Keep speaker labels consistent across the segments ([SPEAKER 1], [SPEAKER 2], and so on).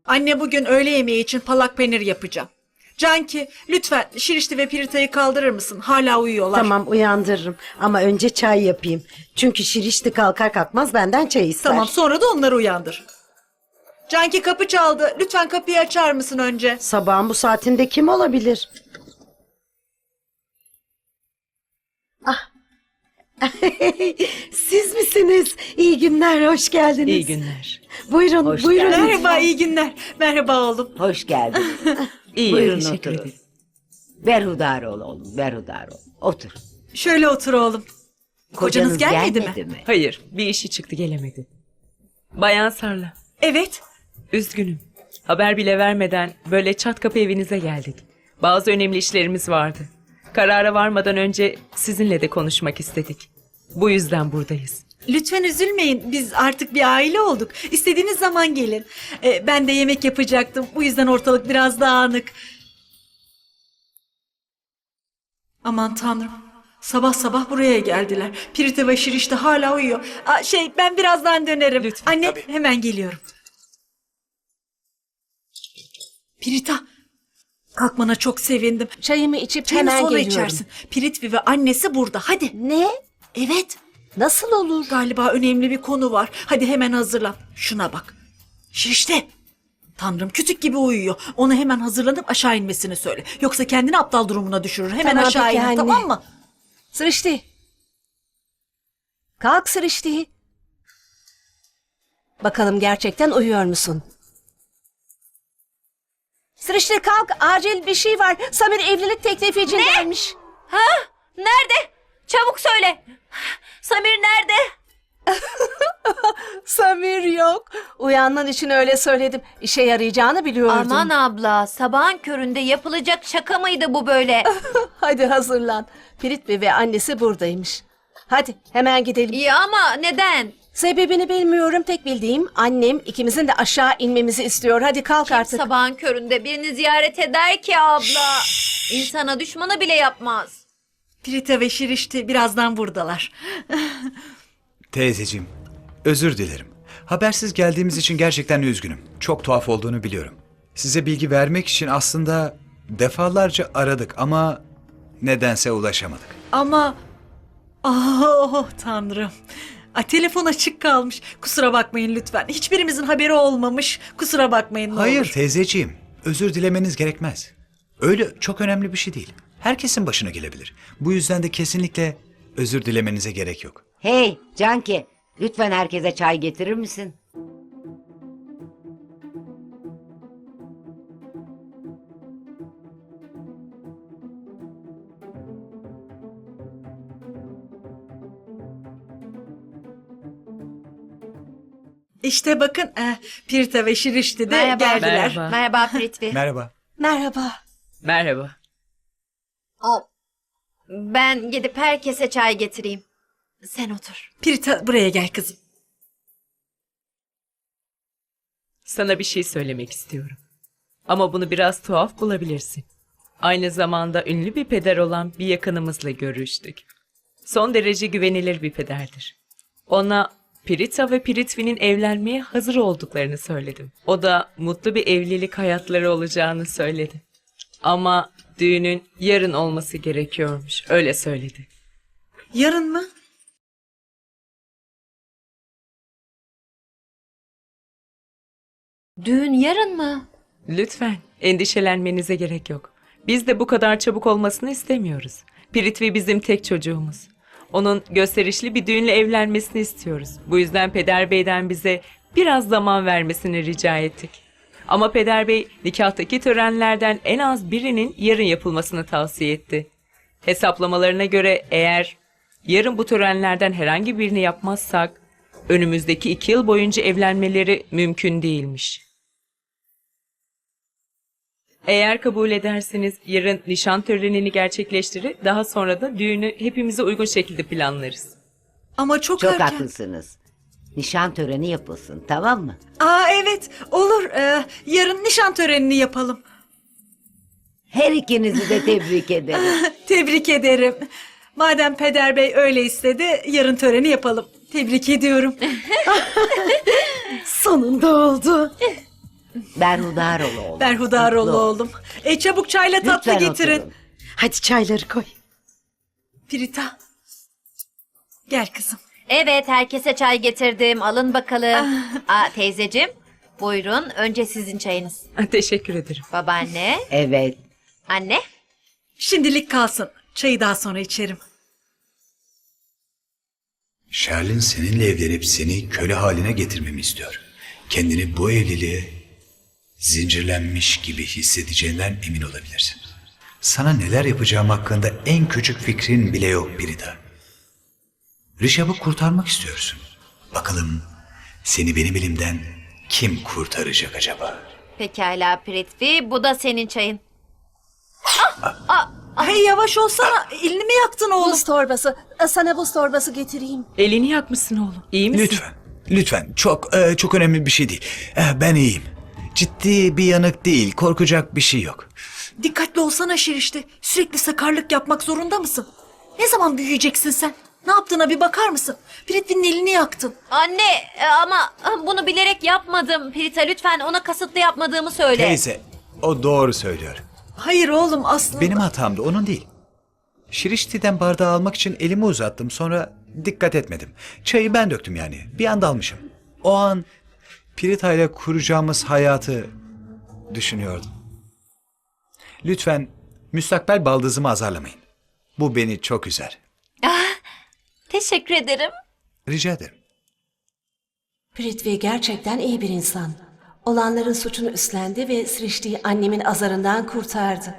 [SPEAKER 1] Anne bugün öğle yemeği için palak peynir yapacağım. Canki lütfen Şirişti ve Pirita'yı kaldırır mısın? Hala uyuyorlar.
[SPEAKER 2] Tamam uyandırırım ama önce çay yapayım. Çünkü Şirişti kalkar kalkmaz benden çay ister.
[SPEAKER 1] Tamam, sonra da onları uyandır. Canki kapı çaldı. Lütfen kapıyı açar mısın önce?
[SPEAKER 2] Sabahın bu saatinde kim olabilir? Ah. Siz misiniz? İyi günler, hoş geldiniz.
[SPEAKER 3] İyi günler.
[SPEAKER 2] Buyurun,
[SPEAKER 4] Hoş
[SPEAKER 2] buyurun.
[SPEAKER 4] geldin.
[SPEAKER 1] Merhaba, iyi günler. Merhaba oğlum.
[SPEAKER 4] Hoş geldin.
[SPEAKER 3] İyi,
[SPEAKER 4] Buyurun
[SPEAKER 3] teşekkür
[SPEAKER 4] oturun.
[SPEAKER 3] ederim.
[SPEAKER 4] Berhudar ol oğlum, berhudar ol. Otur.
[SPEAKER 1] Şöyle otur oğlum. Kocanız gelmedi mi?
[SPEAKER 3] Hayır, bir işi çıktı gelemedi. Bayan Sarla,
[SPEAKER 1] Evet.
[SPEAKER 3] üzgünüm. Haber bile vermeden böyle çat kapı evinize geldik. Bazı önemli işlerimiz vardı. Karara varmadan önce sizinle de konuşmak istedik. Bu yüzden buradayız.
[SPEAKER 1] Lütfen üzülmeyin. Biz artık bir aile olduk. İstediğiniz zaman gelin. Ben de yemek yapacaktım. Bu yüzden ortalık biraz dağınık. Aman tanrım. Sabah sabah buraya geldiler. Pirite ve Şirişte hala uyuyor. Ben birazdan dönerim.
[SPEAKER 3] Lütfen.
[SPEAKER 1] Anne, hemen geliyorum. Pirita, kalkmana çok sevindim.
[SPEAKER 2] Çayımı içip
[SPEAKER 1] Çayını
[SPEAKER 2] hemen
[SPEAKER 1] sonra
[SPEAKER 2] geliyorum.
[SPEAKER 1] içersin. Piritvi ve annesi burada. Hadi.
[SPEAKER 2] Ne?
[SPEAKER 1] Evet.
[SPEAKER 2] Nasıl olur?
[SPEAKER 1] Galiba önemli bir konu var. Hadi hemen hazırlan. Şuna bak. Şirişte. Tanrım, kütük gibi uyuyor. Ona hemen hazırlanıp aşağı inmesini söyle. Yoksa kendini aptal durumuna düşürür. Hemen
[SPEAKER 2] Tamam,
[SPEAKER 1] aşağı
[SPEAKER 2] peki
[SPEAKER 1] in,
[SPEAKER 2] anne.
[SPEAKER 1] tamam mı?
[SPEAKER 2] Sırıştı. Kalk Sırıştı. Bakalım gerçekten uyuyor musun? Sırıştı kalk, acil bir şey var. Samir evlilik teklifi için gelmiş.
[SPEAKER 5] Nerede? Çabuk söyle. Samir nerede?
[SPEAKER 2] Samir yok. Uyanman için öyle söyledim. İşe yarayacağını biliyordum.
[SPEAKER 5] Aman abla, sabahın köründe yapılacak şaka mıydı bu böyle?
[SPEAKER 2] Hadi hazırlan. Piritvi ve annesi buradaymış. Hadi hemen gidelim.
[SPEAKER 5] İyi ama neden?
[SPEAKER 2] Sebebini bilmiyorum. Tek bildiğim annem ikimizin de aşağı inmemizi istiyor. Hadi kalk artık.
[SPEAKER 5] Sabahın köründe birini ziyaret eder ki abla. İnsana düşmanı bile yapmaz.
[SPEAKER 1] Pirite ve Şirişte birazdan buradalar.
[SPEAKER 6] Teyzeciğim, özür dilerim. Habersiz geldiğimiz için gerçekten üzgünüm. Çok tuhaf olduğunu biliyorum. Size bilgi vermek için aslında defalarca aradık ama nedense ulaşamadık.
[SPEAKER 1] Ama... Oh tanrım. Telefon açık kalmış. Kusura bakmayın lütfen. Hiçbirimizin haberi olmamış. Kusura bakmayın ne
[SPEAKER 6] Hayır
[SPEAKER 1] olur.
[SPEAKER 6] teyzeciğim, özür dilemeniz gerekmez. Öyle çok önemli bir şey değil. Herkesin başına gelebilir. Bu yüzden de kesinlikle özür dilemenize gerek yok.
[SPEAKER 4] Hey Canki, lütfen herkese çay getirir misin?
[SPEAKER 1] İşte bakın Pirite ve Şirişte de
[SPEAKER 5] Merhaba.
[SPEAKER 1] geldiler.
[SPEAKER 3] Merhaba.
[SPEAKER 5] Merhaba Pritvi.
[SPEAKER 6] Merhaba.
[SPEAKER 2] Merhaba.
[SPEAKER 3] Merhaba.
[SPEAKER 5] Ben gidip herkese çay getireyim. Sen otur.
[SPEAKER 1] Pirite buraya gel kızım.
[SPEAKER 3] Sana bir şey söylemek istiyorum. Ama bunu biraz tuhaf bulabilirsin. Aynı zamanda ünlü bir peder olan bir yakınımızla görüştük. Son derece güvenilir bir pederdir. Ona Pirita ve Piritvi'nin evlenmeye hazır olduklarını söyledim. O da mutlu bir evlilik hayatları olacağını söyledi. Ama düğünün yarın olması gerekiyormuş. Öyle söyledi.
[SPEAKER 1] Yarın mı?
[SPEAKER 5] Düğün yarın mı?
[SPEAKER 3] Lütfen endişelenmenize gerek yok. Biz de bu kadar çabuk olmasını istemiyoruz. Piritvi bizim tek çocuğumuz. Onun gösterişli bir düğünle evlenmesini istiyoruz. Bu yüzden Peder Bey'den bize biraz zaman vermesini rica ettik. Ama Peder Bey nikahtaki törenlerden en az birinin yarın yapılmasını tavsiye etti. Hesaplamalarına göre eğer yarın bu törenlerden herhangi birini yapmazsak önümüzdeki 2 yıl boyunca evlenmeleri mümkün değilmiş. Eğer kabul ederseniz yarın nişan törenini gerçekleştirir, daha sonra da düğünü hepimize uygun şekilde planlarız.
[SPEAKER 1] Ama çok
[SPEAKER 4] Çok
[SPEAKER 1] erken.
[SPEAKER 4] haklısınız. Nişan töreni yapılsın, tamam mı?
[SPEAKER 1] Evet olur. Yarın nişan törenini yapalım.
[SPEAKER 4] Her ikinizi de tebrik ederim.
[SPEAKER 1] Tebrik ederim. Madem Peder Bey öyle istedi, yarın töreni yapalım. Tebrik ediyorum.
[SPEAKER 2] Sonunda oldu.
[SPEAKER 4] Berhudar ol oğlum.
[SPEAKER 1] Berhudar ol
[SPEAKER 4] Mutlu ol.
[SPEAKER 1] oğlum. Çabuk çayla tatlı
[SPEAKER 4] Lütfen
[SPEAKER 1] getirin.
[SPEAKER 4] oturun.
[SPEAKER 2] Hadi çayları koy.
[SPEAKER 1] Prita. Gel kızım.
[SPEAKER 5] Evet, herkese çay getirdim. Alın bakalım. Teyzeciğim, buyurun. Önce sizin çayınız.
[SPEAKER 3] Teşekkür ederim.
[SPEAKER 5] Babaanne,
[SPEAKER 4] Evet.
[SPEAKER 5] anne.
[SPEAKER 1] Şimdilik kalsın. Çayı daha sonra içerim.
[SPEAKER 6] Sherlin seninle evlenip seni köle haline getirmemi istiyor. Kendini bu evliliğe zincirlenmiş gibi hissedeceğinden emin olabilirsin. Sana neler yapacağım hakkında en küçük fikrin bile yok Prita. Rishab'ı kurtarmak istiyorsun. Bakalım seni benim elimden kim kurtaracak acaba?
[SPEAKER 5] Pekala Prithvi, bu da senin çayın.
[SPEAKER 1] Hey yavaş olsana. Elini mi yaktın oğlum?
[SPEAKER 7] Buz torbası. Sana buz torbası getireyim.
[SPEAKER 3] Elini yakmışsın oğlum. İyi misin?
[SPEAKER 6] Lütfen, lütfen. Çok önemli bir şey değil. Ben iyiyim. Ciddi bir yanık değil, korkacak bir şey yok.
[SPEAKER 1] Dikkatli olsana Şirişte. Sürekli sakarlık yapmak zorunda mısın? Ne zaman büyüyeceksin sen? Ne yaptığına bir bakar mısın? Pritvi'nin elini yaktın.
[SPEAKER 5] Anne, ama bunu bilerek yapmadım. Prita, lütfen ona kasıtlı yapmadığımı söyle.
[SPEAKER 6] Teyze, o doğru söylüyor.
[SPEAKER 1] Hayır oğlum aslında.
[SPEAKER 6] Benim hatamdı, onun değil. Şirişti'den bardağı almak için elimi uzattım, sonra dikkat etmedim. Çayı ben döktüm yani, bir anda almışım. O an Prita ile kuracağımız hayatı düşünüyordum. Lütfen müstakbel baldızımı azarlamayın. Bu beni çok üzer.
[SPEAKER 5] Teşekkür ederim.
[SPEAKER 6] Rica ederim.
[SPEAKER 7] Prithvi gerçekten iyi bir insan. Olanların suçunu üstlendi ve Srishti'yi annemin azarından kurtardı.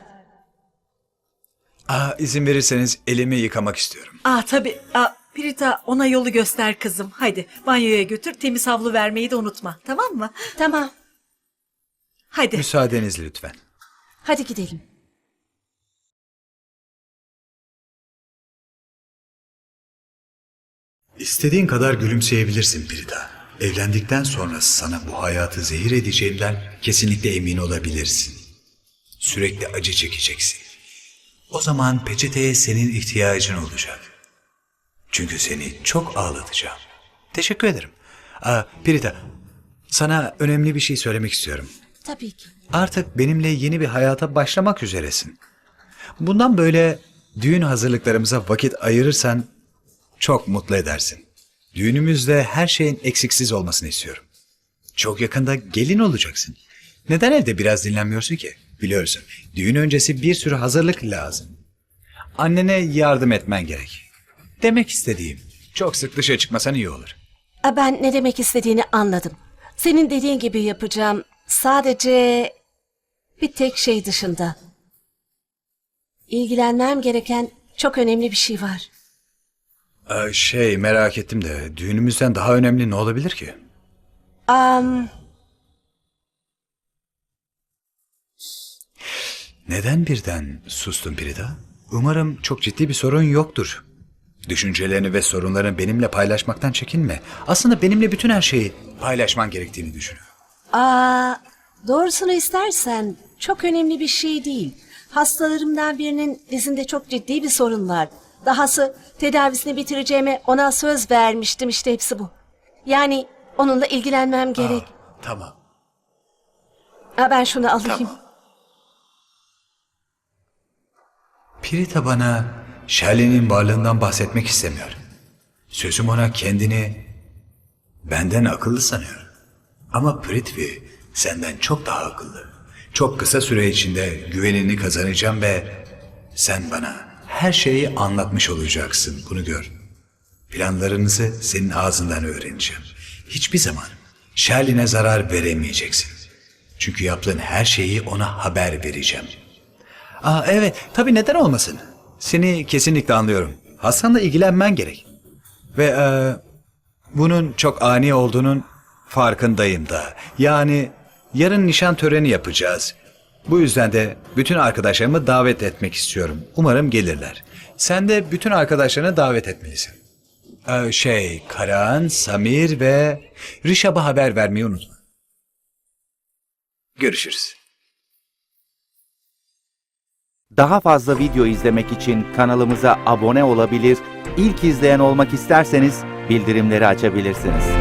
[SPEAKER 6] İzin verirseniz elimi yıkamak istiyorum.
[SPEAKER 1] Tabii. Prita ona yolu göster kızım. Hadi banyoya götür, temiz havlu vermeyi de unutma. Tamam mı?
[SPEAKER 7] Tamam,
[SPEAKER 1] Hadi.
[SPEAKER 6] Müsaadenizle lütfen.
[SPEAKER 7] hadi gidelim.
[SPEAKER 6] İstediğin kadar gülümseyebilirsin Prita. Evlendikten sonra sana bu hayatı zehir edeceğimden kesinlikle emin olabilirsin. Sürekli acı çekeceksin. O zaman peçeteye senin ihtiyacın olacak. Çünkü seni çok ağlatacağım. Teşekkür ederim. Prita, sana önemli bir şey söylemek istiyorum.
[SPEAKER 7] Tabii ki.
[SPEAKER 6] Artık benimle yeni bir hayata başlamak üzeresin. Bundan böyle düğün hazırlıklarımıza vakit ayırırsan çok mutlu edersin. Düğünümüzde her şeyin eksiksiz olmasını istiyorum. Çok yakında gelin olacaksın. Neden evde biraz dinlenmiyorsun ki? Biliyorsun, düğün öncesi bir sürü hazırlık lazım. Annene yardım etmen gerek. Demek istediğim, çok sık dışarı çıkmasan iyi olur.
[SPEAKER 7] Ben ne demek istediğini anladım. Senin dediğin gibi yapacağım. Sadece bir tek şey dışında. İlgilenmem gereken çok önemli bir şey var.
[SPEAKER 6] Merak ettim de düğünümüzden daha önemli ne olabilir ki? Neden birden sustun Prita? Umarım çok ciddi bir sorun yoktur. Düşüncelerini ve sorunlarını benimle paylaşmaktan çekinme. Aslında benimle bütün her şeyi paylaşman gerektiğini düşünüyorum.
[SPEAKER 7] Doğrusunu istersen çok önemli bir şey değil. Hastalarımdan birinin dizinde çok ciddi bir sorun var. Dahası tedavisini bitireceğime ona söz vermiştim, işte hepsi bu. Yani onunla ilgilenmem gerek.
[SPEAKER 6] Tamam.
[SPEAKER 7] Ben şunu alayım.
[SPEAKER 6] Prita bana Sherlin'in varlığından bahsetmek istemiyor. Sözüm ona kendini benden akıllı sanıyor. Ama Prithvi senden çok daha akıllı. Çok kısa süre içinde güvenini kazanacağım ve sen bana her şeyi anlatmış olacaksın. Bunu gör. Planlarınızı senin ağzından öğreneceğim. Hiçbir zaman Sherlin'e zarar veremeyeceksin. Çünkü yaptığın her şeyi ona haber vereceğim. Evet, tabii neden olmasın? Seni kesinlikle anlıyorum. Hasan'la ilgilenmen gerek. Ve bunun çok ani olduğunun farkındayım da. Yani yarın nişan töreni yapacağız. Bu yüzden de bütün arkadaşlarımı davet etmek istiyorum. Umarım gelirler. Sen de bütün arkadaşlarını davet etmelisin. Karan, Samir ve Rishab'a haber vermeyi unutma. Görüşürüz.
[SPEAKER 8] Daha fazla video izlemek için kanalımıza abone olabilir, ilk izleyen olmak isterseniz bildirimleri açabilirsiniz.